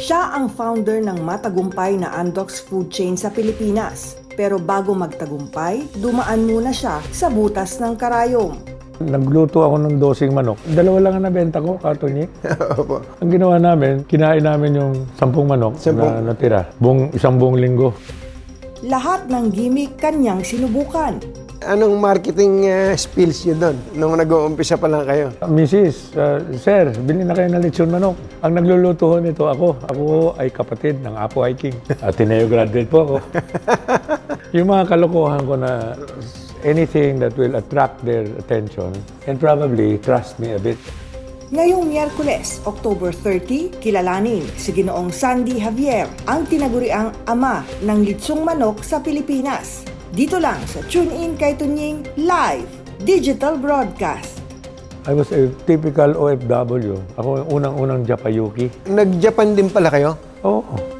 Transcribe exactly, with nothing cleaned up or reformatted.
Siya ang founder ng matagumpay na Andox food chain sa Pilipinas. Pero bago magtagumpay, dumaan muna siya sa butas ng karayom. Nagluto ako ng dosing manok. Dalawa lang ang nabenta ko, katonyi. Opo. Ang ginawa namin, kinain namin yung sampung manok Sampung. na natira. Buong, isang buong linggo. Lahat ng gimmick kanyang sinubukan. Anong marketing uh, skills yun doon nung nag-uumpisa pa lang kayo? Missus, uh, Sir, bilhin na kayo ng lechon manok. Ang nagluluto ho nito ako. Ako ay kapatid ng Apo Hiking. Ateneo graduate po ako. Yung mga kalokohan ko na anything that will attract their attention and probably trust me a bit. Ngayong Miyerkules, October thirty, kilalanin si Ginoong Sandy Javier, ang tinaguriang ama ng litsong manok sa Pilipinas. Dito lang sa Tune In kay Tunying Live Digital Broadcast. I was a typical O F W. Ako yung unang-unang Japayuki. Nag-Japan din pala kayo? Oo.